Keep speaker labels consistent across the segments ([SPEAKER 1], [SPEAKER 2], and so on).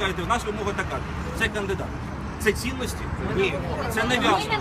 [SPEAKER 1] кажете, в нас вимога така. Це кандидат. Це цінності? Ні. Це нав'язування.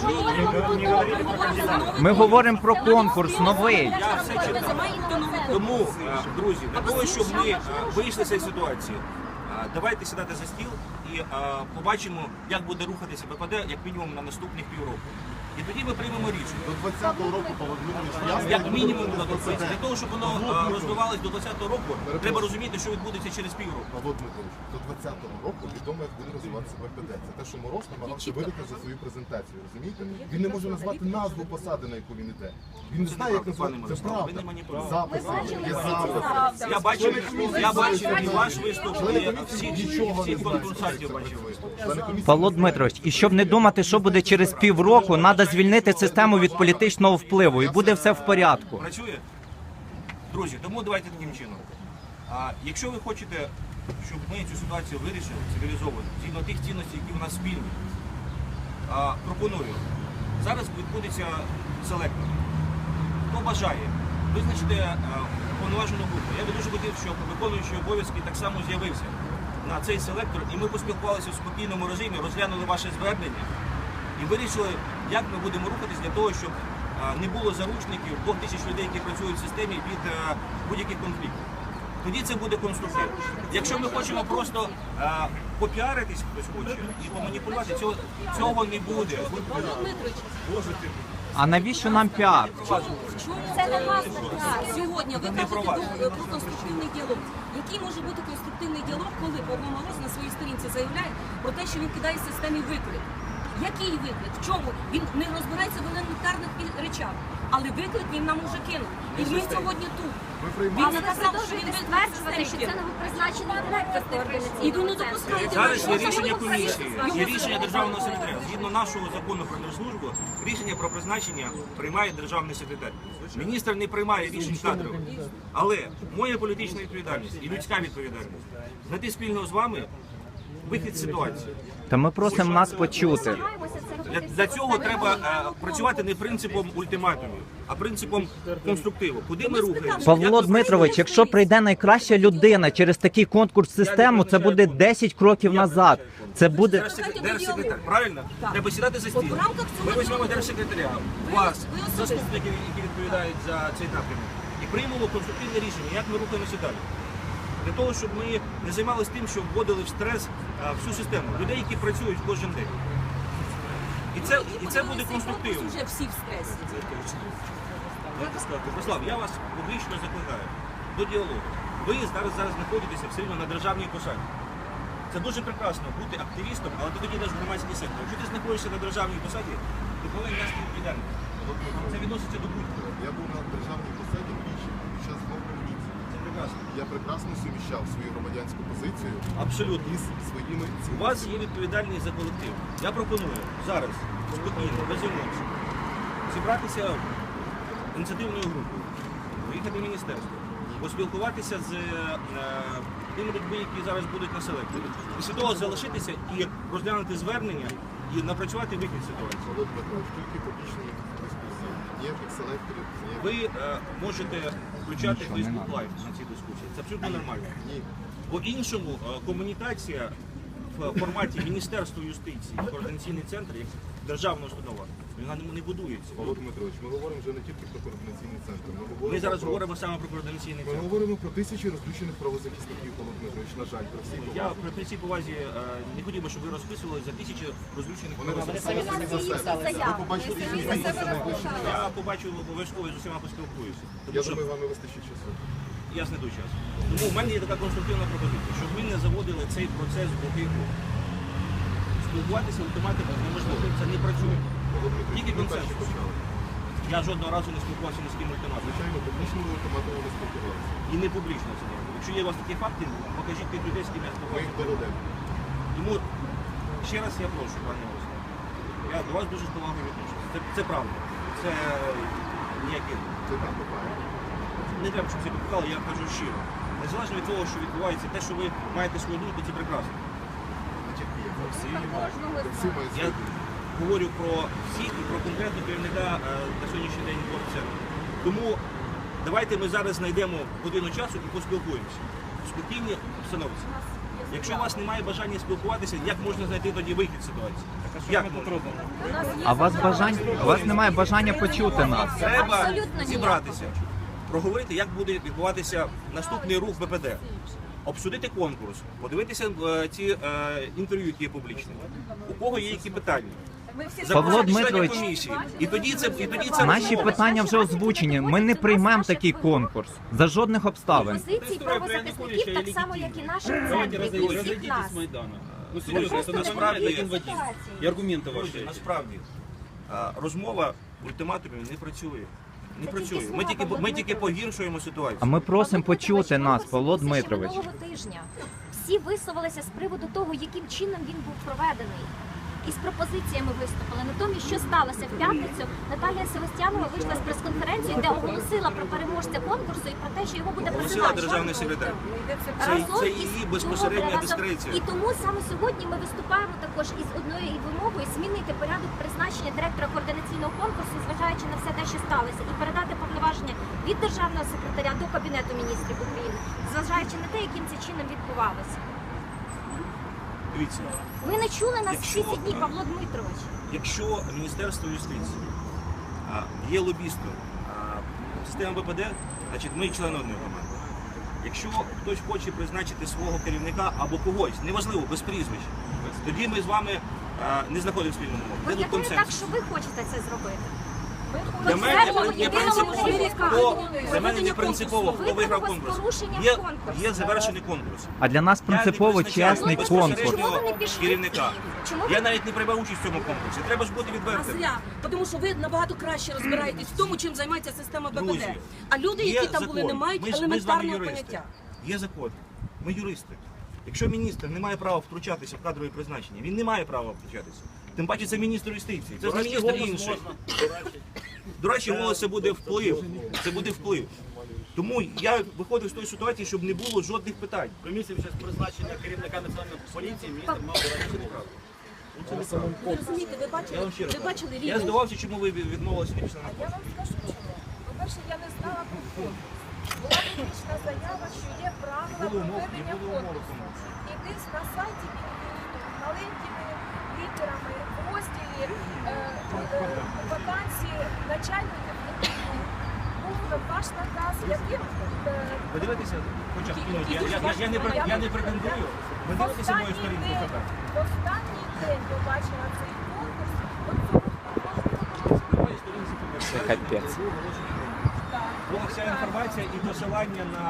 [SPEAKER 2] Ми говоримо про конкурс новий.
[SPEAKER 1] Я все читав. Тому, друзі, для того, щоб ми вийшли з цієї ситуації, давайте сідати за стіл і побачимо, як буде рухатися ППД, як мінімум на наступних півроку. І тоді ми приймемо рішення.
[SPEAKER 3] До 20-го року, Володимирович,
[SPEAKER 1] Як мінімум на 20. Для того, щоб воно розвивалось до 20-го року, треба розуміти, що відбудеться через півроку.
[SPEAKER 3] Павло Дмитрович, до 20-го року відомо, як буде розвиватися ППД. Це те, що Мороз намагався видати за свою презентацію, розумієте? Він не може назвати назву посади, на яку він іде. Він не знає, як назвати. Це правда. Записи, є записи.
[SPEAKER 1] Я бачив і ваш виступ, і всіх конкурсантів бачив виступ.
[SPEAKER 2] Павло Дмитрович, і щоб не думати, що буде через півроку, треба звільнити систему від політичного впливу, і буде все в порядку.
[SPEAKER 1] Працює? Друзі, тому давайте таким чином. Якщо ви хочете, щоб ми цю ситуацію вирішили цивілізовано, згідно тих цінностей, які в нас спільні, пропоную. Зараз відбудеться селектор. Хто бажає, визначити повноважену групу. Я би дуже хотів, щоб виконуючий обов'язки так само з'явився на цей селектор, і ми поспілкувалися в спокійному режимі, розглянули ваше звернення і вирішили, як ми будемо рухатись для того, щоб не було заручників 2000 людей, які працюють в системі, від будь-яких конфліктів. Тоді це буде конструктив. Якщо ми хочемо просто попіаритись, хтось хоче, і поманіпулювати, цього не буде.
[SPEAKER 2] А навіщо нам піар?
[SPEAKER 4] Це не вас сьогодні. Ви кажете про конструктивний діалог. Який може бути конструктивний діалог, коли Павло Мороз на своїй сторінці заявляє про те, що він кидає системі виклик? Який виклик? В чому? Він не розбирається в елементарних речах, але виклик він нам уже кинув. І ми сьогодні тут. Він сказав, що він
[SPEAKER 5] стверджувати, що це новопризначений директор організації.
[SPEAKER 4] І ви не допускаєте.
[SPEAKER 1] Зараз є рішення комісії, є рішення державного секретаря. Згідно нашого закону про держслужбу, рішення про призначення приймає державний секретар. Міністр не приймає рішень кадрових. Але моя політична відповідальність і людська відповідальність знайти спільно з вами вихід з ситуації.
[SPEAKER 2] Та ми просимо нас почути.
[SPEAKER 1] Для цього треба працювати не принципом ультиматумів, а принципом конструктиву. Куди ми рухаємося?
[SPEAKER 2] Павло Дмитрович, якщо прийде найкраща людина через такий конкурс-систему, це буде 10 кроків назад. Це буде...
[SPEAKER 1] Держсекретар, правильно? Треба сідати за стіл. Ми візьмемо держсекретаря, вас, заступників, які відповідають за цей напрямок, і приймемо конструктивне рішення, як ми рухаємося далі. Для того, щоб ми не займалися тим, що вводили в стрес всю систему. Людей, які працюють кожен день. І це буде конструктивно.
[SPEAKER 4] Вже всі в стресі.
[SPEAKER 1] Руслав, я вас публічно закликаю до діалогу. Ви зараз знаходитеся все одно на державній посаді. Це дуже прекрасно бути активістом, але ти тоді йдеш в громадський сектор. Якщо ти знаходишся на державній посаді, ти повинен нести відповідальність. Це відноситься до будь-кого.
[SPEAKER 3] Я був на державній посаді двічі під час двох революцій.
[SPEAKER 1] Це прекрасно.
[SPEAKER 3] Я прекрасно суміщав свою громадянську позицію
[SPEAKER 1] Абсолютно.
[SPEAKER 3] із своїми
[SPEAKER 1] У
[SPEAKER 3] цінностями.
[SPEAKER 1] вас є відповідальність за колектив. Я пропоную зараз спокійно, без емоцій, зібратися ініціативною групою, виїхати в міністерство, поспілкуватися з тими людьми, які зараз будуть на селекторі. Після того залишитися і розглянути звернення і напрацювати вихід ситуації.
[SPEAKER 3] Павло Дмитрович, тільки публічні дискусії. Ніяких селекторів, ніяких...
[SPEAKER 1] Ви можете включати Facebook Live на ці дискусії. Це абсолютно нормально.
[SPEAKER 3] Ні.
[SPEAKER 1] По-іншому комунікація в форматі Міністерства юстиції, координаційний центр, як державна установа, вона не будується.
[SPEAKER 3] Павло Дмитрович, ми говоримо вже не тільки про координаційний центр.
[SPEAKER 1] Ми зараз говоримо саме про координаційний
[SPEAKER 3] Ми
[SPEAKER 1] центр.
[SPEAKER 3] говоримо про тисячі розключених правозахисників, Павло Дмитрович, на жаль, про всі
[SPEAKER 1] Я при цій повазі не хотів би, щоб ви розписували за тисячі розлючених
[SPEAKER 3] Вони
[SPEAKER 1] правозахисників.
[SPEAKER 3] розписали самі за себе. Ви побачите їх бізнеси найближчим часом.
[SPEAKER 1] Я побачу обов'язково і з усіма поспілкуюся.
[SPEAKER 3] Я
[SPEAKER 1] Тому що
[SPEAKER 3] думаю, вам не вистачить часу.
[SPEAKER 1] я знайду час. Тому в мене є така конструктивна пропозиція, щоб ми не заводили цей процес в глухий кут. Спілкуватися ультимативно неможливо, це не працює. Тільки консенсус. Я жодного разу не спілкувався ні з ким ультимативом.
[SPEAKER 3] Звичайно, публічному ультиматуму не спілкувалися.
[SPEAKER 1] І не публічно це не робить. Якщо є у вас такі факти, покажіть тих людей, з ким я
[SPEAKER 3] Ми їх
[SPEAKER 1] спілкувався.
[SPEAKER 3] доведемо.
[SPEAKER 1] Тому ще раз я прошу, пане Руслан, я до вас дуже з повагою відношуся. Це правда. Це ніякі...
[SPEAKER 3] Це так, правильно.
[SPEAKER 1] Не треба, щоб це підпікало, я кажу щиро. Незалежно від того, що відбувається, те, що ви маєте свою думку, це прекрасно.
[SPEAKER 3] Не тільки я. Всі мають
[SPEAKER 1] Я
[SPEAKER 3] свою думку.
[SPEAKER 1] говорю про всіх і про конкретного керівника на сьогоднішній день центру. Тому давайте ми зараз знайдемо годину часу і поспілкуємося. В спокійній обстановці. Якщо у вас немає бажання спілкуватися, як можна знайти тоді вихід з ситуації? Як можна?
[SPEAKER 2] А у вас немає бажання почути нас.
[SPEAKER 1] Треба
[SPEAKER 5] Абсолютно ніяк.
[SPEAKER 1] зібратися, проговорити, як буде відбуватися наступний рух БПД, обсудити конкурс, подивитися ці інтерв'ю, які є публічні, у кого є які питання.
[SPEAKER 2] Павло
[SPEAKER 1] Запросити членів
[SPEAKER 2] Дмитрович,
[SPEAKER 1] комісії. І тоді це
[SPEAKER 2] наші
[SPEAKER 1] розмова.
[SPEAKER 2] питання вже озвучені. Ми не приймемо такий конкурс за жодних обставин.
[SPEAKER 5] Позиції правозахисників так само, як і наших центрів, і всіх нас.
[SPEAKER 6] Ну серьезно, это насправді один в один. І аргументи ваші.
[SPEAKER 1] Насправді розмова ультиматумів не працює. Не працює. Ми тільки погіршуємо ситуацію.
[SPEAKER 2] А ми просимо почути нас, Павло
[SPEAKER 5] Ще
[SPEAKER 2] Дмитрович.
[SPEAKER 5] минулого тижня всі висловилися з приводу того, яким чином він був проведений. І з пропозиціями виступили. Натомість, що сталося в п'ятницю, Наталія Севастьянова вийшла з прес-конференції, де оголосила про переможця конкурсу і про те, що його буде
[SPEAKER 1] Оголосила
[SPEAKER 5] призначено.
[SPEAKER 1] державний секретар.
[SPEAKER 5] Разом
[SPEAKER 1] Це
[SPEAKER 5] із-
[SPEAKER 1] її безпосередня
[SPEAKER 5] разом-
[SPEAKER 1] дискреція.
[SPEAKER 5] І тому саме сьогодні ми виступаємо також із одною вимогою змінити порядок призначення директора координаційного конкурсу, зважаючи на все те, що сталося, і передати повноваження від державного секретаря до Кабінету міністрів України, зважаючи на те, яким це чином відбувалося.
[SPEAKER 1] Дивіться,
[SPEAKER 5] Ви не чули нас всі
[SPEAKER 1] Якщо-
[SPEAKER 5] ці дні, Павло Дмитрович.
[SPEAKER 1] якщо Міністерство юстиції є лобістом системи БПД, значить ми члени одної команди. Якщо хтось хоче призначити свого керівника або когось, неважливо, без прізвищ, тоді ми з вами не знаходимо спільну мову. Де тут
[SPEAKER 5] Виглядає так,
[SPEAKER 1] консенсус?
[SPEAKER 5] що ви хочете це зробити.
[SPEAKER 1] Для мене
[SPEAKER 5] Конкретно
[SPEAKER 1] не
[SPEAKER 5] єдиному
[SPEAKER 1] принципово,
[SPEAKER 5] керівника.
[SPEAKER 1] для мене не принципово, хто виграв конкурс. Є завершений конкурс.
[SPEAKER 2] А для нас принципово
[SPEAKER 1] Я не призначаю
[SPEAKER 2] чесний
[SPEAKER 1] безпосередньо
[SPEAKER 2] конкурс.
[SPEAKER 5] Чому ви не пішли?
[SPEAKER 1] керівника.
[SPEAKER 5] Чому ви-
[SPEAKER 1] Я навіть не приймав участь в цьому конкурсі. Треба ж бути
[SPEAKER 4] А
[SPEAKER 1] відвертим.
[SPEAKER 4] зря, тому що ви набагато краще розбираєтесь в тому, чим займається система БПД.
[SPEAKER 1] Друзі,
[SPEAKER 4] А люди,
[SPEAKER 1] є
[SPEAKER 4] які там були, не
[SPEAKER 1] закон.
[SPEAKER 4] мають
[SPEAKER 1] Ми з вами
[SPEAKER 4] елементарного
[SPEAKER 1] юристи.
[SPEAKER 4] поняття.
[SPEAKER 1] Є закон. Ми юристи. Якщо міністр не має права втручатися в кадрові призначення, він не має права втручатися. Тим паче це міністр юстиції. Це ж не міністр інший. До речі, голос це буде вплив. Це буде вплив. Тому я виходив з тої ситуації, щоб не було жодних питань.
[SPEAKER 6] Комісія під час призначення керівника національної поліції міністр мав вирішити право.
[SPEAKER 4] Ви розумієте,
[SPEAKER 1] Я вам ще раз
[SPEAKER 4] ви бачили
[SPEAKER 1] Я
[SPEAKER 4] рівень.
[SPEAKER 1] здивався, чому ви відмовилися не пішли на
[SPEAKER 7] Я
[SPEAKER 1] конкурс.
[SPEAKER 7] вам скажу, по-перше, я не знала про конкурс. Була публічна заява, що є правила проведення конкурсу. І десь на сайті маленькими літерами в розділі вакансії начальників був ваш наказ, яким
[SPEAKER 1] Ви дивитеся, хоча я не претендую. Ви дивитеся мою сторінку ФБ.
[SPEAKER 7] в останній день побачила цей конкурс. От цього
[SPEAKER 1] На моїй сторінці ФБ.
[SPEAKER 2] Це капець.
[SPEAKER 1] Була вся інформація і посилання на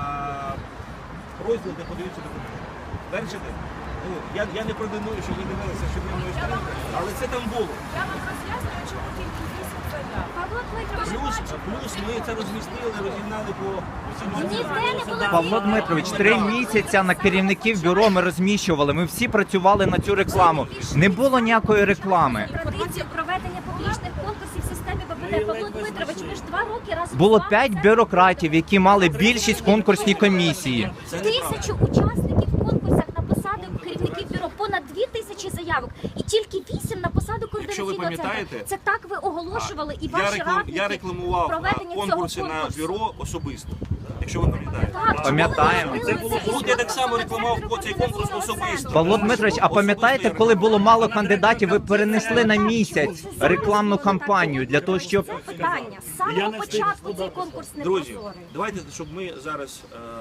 [SPEAKER 1] розділ, де подаються документи. Бачите? Ну, я не претендую, що ви дивилися, що я мою сторінку, але це там було.
[SPEAKER 7] я вам роз'яснюю, чому тільки 8 заяв.
[SPEAKER 5] Павло Дмитрович,
[SPEAKER 1] Плюс ми це розмістили, розігнали по всім
[SPEAKER 5] ніде не було
[SPEAKER 2] Павло Дмитрович, 3 місяці на керівників бюро ми розміщували. Ми всі працювали на цю рекламу. Не було ніякої реклами.
[SPEAKER 5] традицію проведення публічних конкурсів в системі БПД. Павло Дмитрович, ми ж 2 роки разом
[SPEAKER 2] Було
[SPEAKER 5] з вами
[SPEAKER 2] 5
[SPEAKER 5] це
[SPEAKER 2] бюрократів, які мали більшість в конкурсній комісії.
[SPEAKER 5] 1000 учасників в конкурсах на посади керівників бюро, понад 2000 заявок, і тільки 8 на посаду
[SPEAKER 1] Якщо ви
[SPEAKER 5] координаційного центру.
[SPEAKER 1] пам'ятаєте,
[SPEAKER 5] Це так ви оголошували і ваші радники
[SPEAKER 1] я рекламував
[SPEAKER 5] проведення цього
[SPEAKER 1] конкурси на
[SPEAKER 5] конкурсу.
[SPEAKER 1] бюро особисто. Якщо ви пам'ятаєте.
[SPEAKER 5] Так,
[SPEAKER 2] Пам'ятаємо.
[SPEAKER 5] чому ви
[SPEAKER 1] Це було
[SPEAKER 5] робили
[SPEAKER 1] тут, я так само
[SPEAKER 5] із
[SPEAKER 1] рекламував
[SPEAKER 5] центру
[SPEAKER 1] цей конкурс
[SPEAKER 5] координаційного
[SPEAKER 1] особисто.
[SPEAKER 5] центру?
[SPEAKER 2] Павло Дмитрович, а пам'ятаєте, коли було мало кандидатів, ви перенесли на місяць рекламну кампанію для того, щоб
[SPEAKER 5] Це питання. З самого початку цей конкурс не
[SPEAKER 1] Друзі,
[SPEAKER 5] прозорий.
[SPEAKER 1] давайте, щоб ми зараз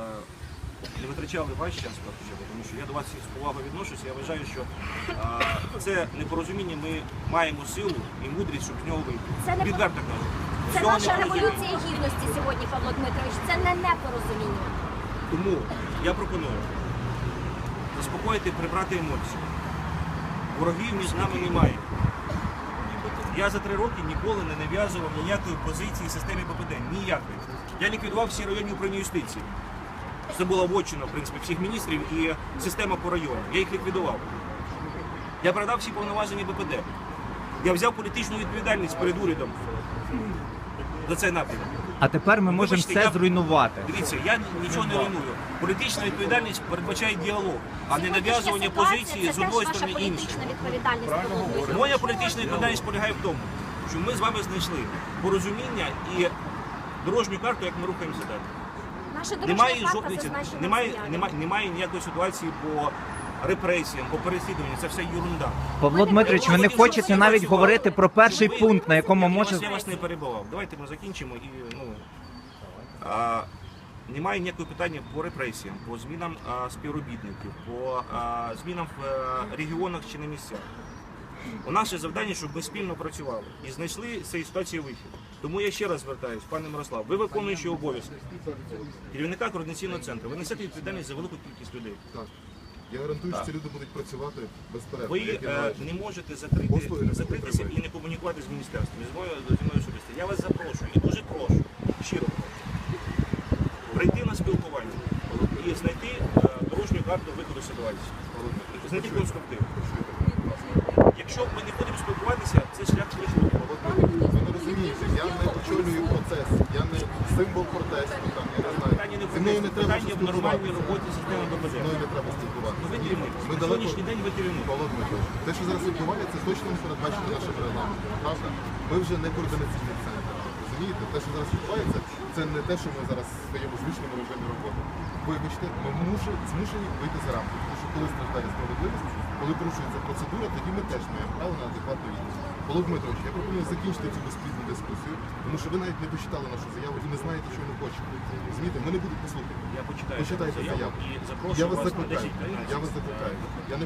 [SPEAKER 1] не витрачали ваш час, тому що я до вас з повагою відношуся. Я вважаю, що це непорозуміння, ми маємо силу і мудрість, щоб з нього вийти.
[SPEAKER 5] Це не
[SPEAKER 1] Відверто кажу.
[SPEAKER 5] Це
[SPEAKER 1] Цього
[SPEAKER 5] наша
[SPEAKER 1] непорозуміння.
[SPEAKER 5] революція гідності сьогодні, Павло Дмитрович. Це не непорозуміння.
[SPEAKER 1] Тому я пропоную заспокоїти, прибрати емоції. Ворогів між нами немає. Я за 3 роки ніколи не нав'язував ніякої позиції системі ППД. Ніякої. Я ліквідував всі районні управління юстиції. Це була вотчина, в принципі, всіх міністрів і система по району. Я їх ліквідував. Я передав всі повноваження БПД. Я взяв політичну відповідальність перед урядом за цей напрямок.
[SPEAKER 2] а тепер ми можемо
[SPEAKER 1] Вибачте,
[SPEAKER 2] все
[SPEAKER 1] я-
[SPEAKER 2] зруйнувати.
[SPEAKER 1] Дивіться, я нічого не руйную. Політична відповідальність передбачає діалог, а не
[SPEAKER 5] Сьогоднішня
[SPEAKER 1] нав'язування
[SPEAKER 5] ситуація
[SPEAKER 1] позиції
[SPEAKER 5] це
[SPEAKER 1] з одної
[SPEAKER 5] теж
[SPEAKER 1] сторони
[SPEAKER 5] ваша
[SPEAKER 1] іншої.
[SPEAKER 5] політична відповідальність, Павло Дмитрович.
[SPEAKER 1] Моя політична відповідальність полягає в тому, що ми з вами знайшли порозуміння і дорожню карту, як ми рухаємося далі.
[SPEAKER 5] Наша дорожня
[SPEAKER 1] Немає
[SPEAKER 5] карта
[SPEAKER 1] жодної,
[SPEAKER 5] зазначена в
[SPEAKER 1] немає,
[SPEAKER 5] заяві.
[SPEAKER 1] немає ніякої ситуації по репресіям, по переслідуванню. Це все ерунда.
[SPEAKER 2] Павло Дмитрович, ви не хочете навіть говорити про перший пункт, на якому може...
[SPEAKER 1] Я вас не перебував. Давайте ми закінчимо і немає ніякого питання по репресіям, по змінам співробітників, по змінам в регіонах чи на місцях. У наше завдання, щоб ми спільно працювали і знайшли з цієї ситуації вихід. Тому я ще раз звертаюсь, пане Мирослав, ви виконуючи обов'язки керівника координаційного центру, ви несете відповідальність за велику кількість людей.
[SPEAKER 3] Так. Я гарантую, що ці люди будуть працювати безперервно.
[SPEAKER 1] Ви
[SPEAKER 3] як і належить.
[SPEAKER 1] не можете
[SPEAKER 3] Послуги не
[SPEAKER 1] закритися
[SPEAKER 3] отримають.
[SPEAKER 1] і не комунікувати з міністерством, зі мною особисто. Я вас запрошую і дуже прошу, щиро прошу, прийти на спілкування і знайти дорожню карту виходу з ситуації. Знайти конструктив. Якщо ми не будемо спілкуватися, це шлях швидкий.
[SPEAKER 3] Ви не розумієте, я не очолюю процес, я не символ протесту, там, я не знаю.
[SPEAKER 1] Питання не
[SPEAKER 3] Зі мною не треба
[SPEAKER 1] питання в нормальній
[SPEAKER 3] спілкуватися.
[SPEAKER 1] роботі системи БПЗ.
[SPEAKER 3] Зі мною не треба спілкуватися.
[SPEAKER 1] Ви керівник.
[SPEAKER 3] Ми
[SPEAKER 1] На
[SPEAKER 3] далеко...
[SPEAKER 1] сьогоднішній день ви керівник.
[SPEAKER 3] Павло Дмитрович, те, що зараз відбувається, точно не передбачено нашим регламентом, правда? Ми вже не координаційний центр, розумієте? Те, що зараз відбувається, це не те, що ми зараз стаємо в звичному режимі роботи. Вибачте, ми змушені вийти за рамки, тому що коли страждає справедливість, коли порушується процедура, тоді ми теж маємо право на адекватну відповідь. Павло Дмитрович, я пропоную закінчити цю безплідну дискусію, тому що ви навіть не почитали нашу заяву і не знаєте, що ми хочемо. Розумієте, ми не будемо послухати.
[SPEAKER 1] Я почитаю
[SPEAKER 3] Почитайте заяву.
[SPEAKER 1] і запрошую
[SPEAKER 3] Я вас
[SPEAKER 1] вас на
[SPEAKER 3] закликаю.
[SPEAKER 1] 10-15.
[SPEAKER 3] Я вас закликаю. Я не